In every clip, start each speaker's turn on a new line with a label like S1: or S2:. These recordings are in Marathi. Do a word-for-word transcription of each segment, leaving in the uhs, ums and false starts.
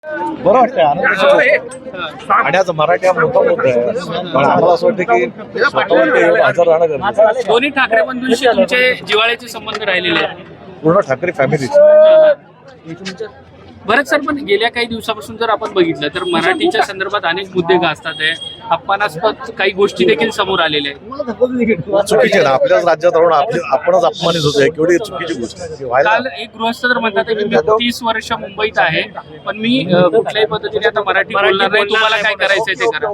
S1: बरं वाटतं आनंद आणि आज मराठी हा मोठा मुद्दा आहे. पण आम्हाला असं वाटतं की स्वतःवरती एवढं हजर राहणं गरजेचं आहे.
S2: दोन्ही ठाकरे बंधूंशी तुमचे जिव्हाळ्याचे संबंध राहिलेले आहेत.
S1: पूर्ण ठाकरे फॅमिली.
S2: बरंच सर, पण गेल्या काही दिवसापासून जर आपण बघितलं तर मराठीच्या संदर्भात अनेक मुद्दे गाजतात आहे. अपमानास्पद काही गोष्टी देखील समोर आलेल्या आहेत.
S1: चुकीचे ना आपल्याच राज्यात राहून आपले आपणच अपमानित होतोय. केवढी चुकीची गोष्ट आहे. व्हायला
S2: काल एक गृहस्थ तर म्हणतात की मी तीस वर्ष मुंबईत आहे, पण मी अ, कुठल्याही पद्धतीने आता मराठी बोलणार नाही. तुम्हाला काय करायचंय ते करा.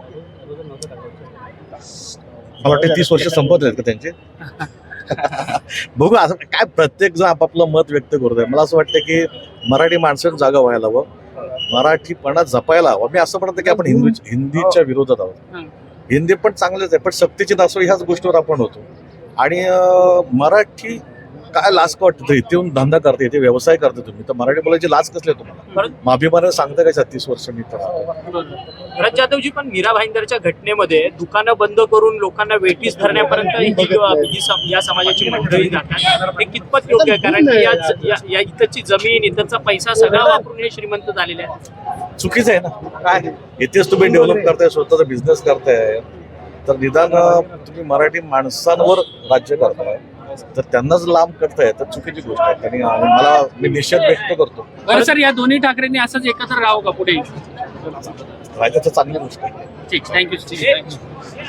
S1: मला वाटतं तीस वर्ष संपत आहेत का त्यांचे. बघू असं काय प्रत्येक जण आपापलं मत व्यक्त करतोय. मला असं वाटतं की मराठी माणसांनी जागा व्हायला हवं, मराठीपणा जपायला हवं. मी असं म्हणतो की आपण हिंदी हिंदीच्या विरोधात आहोत. हिंदी पण चांगलेच आहे, पण सक्तीची नासव ह्याच गोष्टीवर आपण होतो. आणि मराठी काय लाज का वाटतं इथे येऊन धंदा करते, इथे व्यवसाय करते तुम्ही, तर मराठी बोलायची लाज कसली आहे तुम्हाला. मग अभिमानाने सांगता का छत्तीस वर्ष मी तर.
S3: भरत जाधवजी, पण मीरा भाईंदरच्या घटनेमध्ये दुकानं बंद करून लोकांना वेठीस धरण्यापर्यंत ही ही सम- या समाजाची मंडळी जातात. हे कितपत योग्य आहे? कारण की या- या- या इथंची जमीन, इथंचा पैसा सगळा वापरून हे श्रीमंत झालेले आहेत.
S1: चुकीचं आहे ना. काय इथेच तुम्ही डेव्हलप करताय, स्वतःचा बिझनेस करताय, तर निदान तुम्ही मराठी माणसांवर राज्य करताय, तर त्यांनाच लांब करताय, तर चुकीची गोष्ट आहे. आणि मला मी निषेध व्यक्त करतो.
S2: बरं सर, या दोन्ही ठाकरेंनी असंच एकत्र राहावं का पुढे?
S1: राहायचं तर चांगली गोष्ट आहे.
S2: ठीक, थँक्यू.